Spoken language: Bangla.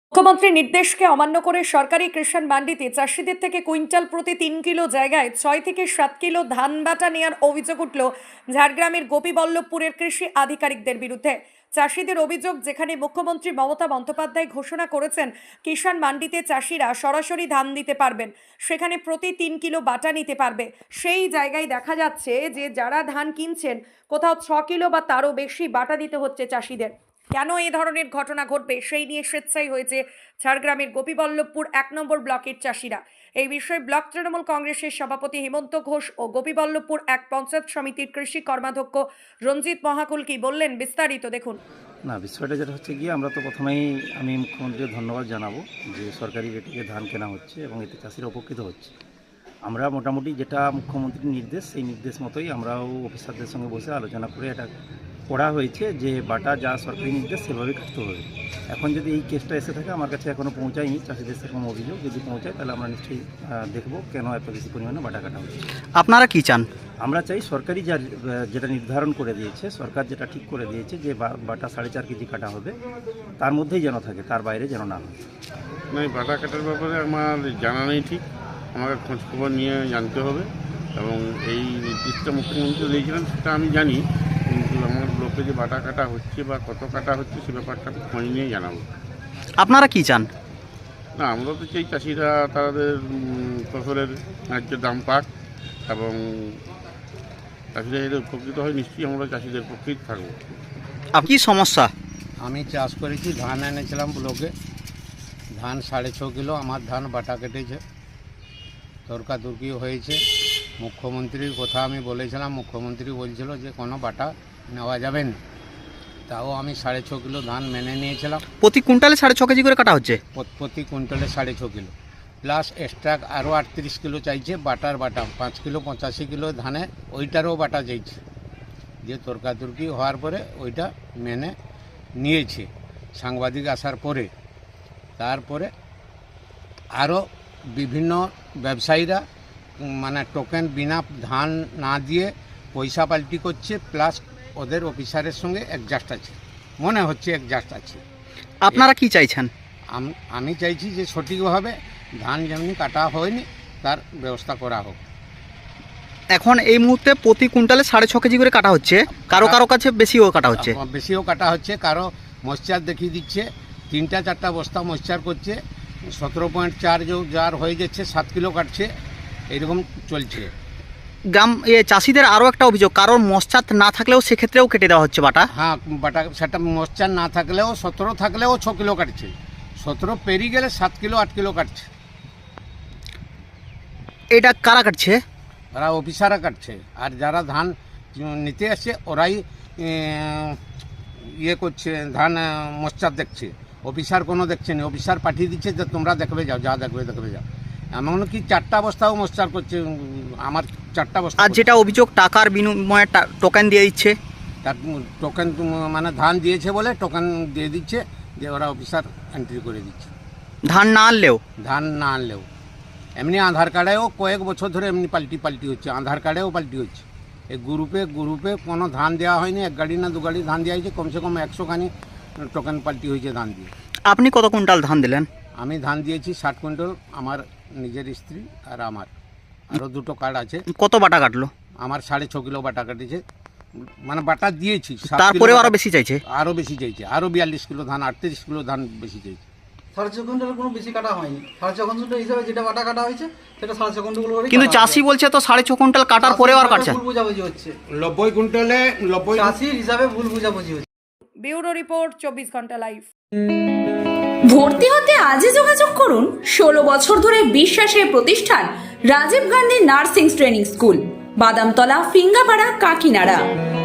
মুখ্যমন্ত্রীর নির্দেশকে অমান্য করে সরকারি কৃষাণ মান্ডিতে চাষিদের থেকে কুইন্টাল প্রতি ৩ কিলো জায়গায় ৬ থেকে ৭ কিলো ধান বাটা নেওয়ার অভিযোগ উঠল ঝাড়গ্রামের গোপীবল্লভপুরের কৃষি আধিকারিকদের বিরুদ্ধে। চাষিদের অভিযোগ, যেখানে মুখ্যমন্ত্রী মমতা বন্দ্যোপাধ্যায় ঘোষণা করেছেন কিষাণ মান্ডিতে চাষিরা সরাসরি ধান দিতে পারবেন, সেখানে প্রতি ৩ কিলো বাটা নিতে পারবে, সেই জায়গায় দেখা যাচ্ছে যে যারা ধান কিনছেন কোথাও ৬ কিলো বা তারও বেশি বাটা দিতে হচ্ছে চাষিদের। কেন এই ধরনের ঘটনা ঘটবে সেই নিয়ে স্বেচ্ছায় হয়েছে ঝাড়গ্রামের গোপীবল্লভপুর ১ নম্বর ব্লকের চাষিরা। এই বিষয়ে ব্লক তৃণমূল কংগ্রেসের সভাপতি হেমন্ত ঘোষ ও গোপীবল্লভপুর এক পঞ্চায়েত সমিতির কৃষি কর্মাধ্যক্ষ রঞ্জিত মহাকুল কি বললেন বিস্তারিত দেখুন। না, বিষয়টা যেটা হচ্ছে গিয়ে আমরা তো প্রথমেই আমি মুখ্যমন্ত্রীকে ধন্যবাদ জানাবো যে সরকারি রেটে ধান কেনা হচ্ছে এবং এতে চাষিরা উপকৃত হচ্ছে। আমরা মোটামুটি যেটা মুখ্যমন্ত্রীর নির্দেশ, সেই নির্দেশ মতোই আমরাও অফিসারদের সঙ্গে বসে আলোচনা করে এটা করা হয়েছে যে বাটা যা সরকারি নির্দেশ সেভাবেই কাটতে হবে। এখন যদি এই কেসটা এসে থাকে, আমার কাছে এখনও পৌঁছায়নি চাষিদের সেরকম অভিযোগ, যদি পৌঁছায় তাহলে আমরা নিশ্চয়ই দেখব কেন এত বেশি পরিমাণে বাটা কাটা হচ্ছে। আপনারা কি চান? আমরা চাই সরকারি যেটা নির্ধারণ করে দিয়েছে, সরকার যেটা ঠিক করে দিয়েছে যে বাটা 4.5 কেজি কাটা হবে, তার মধ্যেই যেন থাকে, তার বাইরে যেন না হয়। না, বাটা কাটার ব্যাপারে আমার জানা নেই, ঠিক আমাকে খোঁজখবর নিয়ে জানতে হবে এবং এই নির্দিষ্ট মুখ্যমন্ত্রী দিয়েছিলেন সেটা আমি জানি, কিন্তু আমার ব্লকে যে বাটা কাটা হচ্ছে বা কত কাটা হচ্ছে সে ব্যাপারটা খোঁজ নিয়ে জানাবো। আপনারা কি চান? না, আমরা তো চাই চাষিরা তাদের ফসলের ন্যায্য দাম পাক এবং চাষিরা যদি উপকৃত হয়, নিশ্চয়ই আমরা চাষিদের পক্ষেই থাকবো। কি সমস্যা? আমি চাষ করেছি, ধান এনেছিলাম ব্লকে, ধান 6.5 কিলো আমার ধান বাটা কেটেছে, তর্কাতর্কি হয়েছে। মুখ্যমন্ত্রীর কথা আমি বলেছিলাম, মুখ্যমন্ত্রী বলছিল যে কোনো বাটা নেওয়া যাবে না, তাও আমি 6.5 কিলো ধান মেনে নিয়েছিলাম। প্রতি কুইন্টালে 6.5 কেজি করে কাটা হচ্ছে? প্রতি কুইন্টালে 6.5 কিলো প্লাস এক্সট্রা আরও 38 কিলো চাইছে বাটার বাটা, 5 কিলো 85 কিলো ধানে ওইটারও বাটা চাইছে। যে তর্কাতর্কি হওয়ার পরে ওইটা মেনে নিয়েছে সাংবাদিক আসার পরে। তারপরে আরও বিভিন্ন ব্যবসায়ীরা মানে টোকেন বিনা ধান না দিয়ে পয়সা পাল্টি করছে, প্লাস ওদের অফিসারের সঙ্গে অ্যাডজাস্ট আছে, মনে হচ্ছে অ্যাডজাস্ট আছে। আপনারা কি চাইছেন? আমি চাইছি যে সঠিকভাবে ধান যেমনি কাটা হয়নি তার ব্যবস্থা করা হোক। এখন এই মুহূর্তে প্রতি কুইন্টালে 6.5 কেজি করে কাটা হচ্ছে, কারো কারো কাছে বেশিও কাটা হচ্ছে। বেশিও কাটা হচ্ছে, কারো ময়েশ্চার দেখিয়ে দিচ্ছে, 3-4টা বস্তা ময়েশ্চার করছে, 17.4 যার হয়ে যাচ্ছে 7 কিলো কাটছে, এরকম চলছে। গ্রাম চাষিদের আরও একটা অভিযোগ, কারোর মশ্চার না থাকলেও সেক্ষেত্রেও কেটে দেওয়া হচ্ছে বাটা। হ্যাঁ, বাটা সেটা ময়েশ্চার না থাকলেও 17 থাকলেও 6 কিলো কাটছে, 17 পেরিয়ে গেলে 7 কিলো 8 কিলো কাটছে। এটা কারা কাটছে? ওরা অফিসাররা কাটছে, আর যারা ধান নিতে আসছে ওরাই ইয়ে করছে, ধান মশ্চার দেখছে, অফিসার কোনো দেখছে না। অফিসার পাঠিয়ে দিচ্ছে যে তোমরা দেখবে যাও, যা দেখবে যাও। এমনকি 4টা বস্তাও মশ্চার করছে, আমার 4টা বস্তা। আর যেটা অভিযোগ টাকার বিনিময়ে টোকেন দিয়ে দিচ্ছে, তার টোকেন মানে ধান দিয়েছে বলে টোকেন দিয়ে দিচ্ছে, যে ওরা অফিসার এন্ট্রি করে দিচ্ছে। ধান না আনলেও এমনি আধার কার্ডেও কয়েক বছর ধরে এমনি পাল্টি হচ্ছে, আধার কার্ডেও পাল্টি হচ্ছে। এই গ্রুপে কোনো ধান দেওয়া হয়নি, 1 গাড়ি না 2 গাড়ি ধান দেওয়া হয়েছে, কমসে কম 100 খানি টোকেন পাল্টি হয়েছে ধান দিয়ে। আপনি কত কুইন্টাল ধান দিলেন? আমি ধান দিয়েছি 60 কুইন্টাল, আমার নিজের স্ত্রী আর আমার আরও 2টো কার্ড আছে। কত বাটা কাটলো? আমার 6.5 কিলো বাটা কাটেছে, মানে বাটা দিয়েছি। তারপরেও আরও বেশি চাইছে? আরও বেশি চাইছে, আরও 42 কিলো ধান, 38 কিলো ধান বেশি চাইছে। 6.5 কুইন্টালের কোনো বেশি কাটা হয়নি, 6.5 কুইন্টাল হিসাবে যেটা বাটা কাটা হয়েছে সেটা 6.5 কুইন্টাল করে। কিন্তু চাষি বলছে তো 6.5 কুইন্টাল কাটার পরেও আর কাটছে। ভুল বুঝাবুঝি হচ্ছে, 90 কুইন্টালে 90 চাষির হিসাবে ভুল বুঝাবুঝি হচ্ছে। ব্যুরো রিপোর্ট, 24 ঘন্টা লাইভ। ভর্তি হতে আজই যোগাযোগ করুন 16 বছর ধরে বিশ্বাসের প্রতিষ্ঠান Rajiv Gandhi nursing training school, Badamtala, Phingapara, কাকিনাড়া।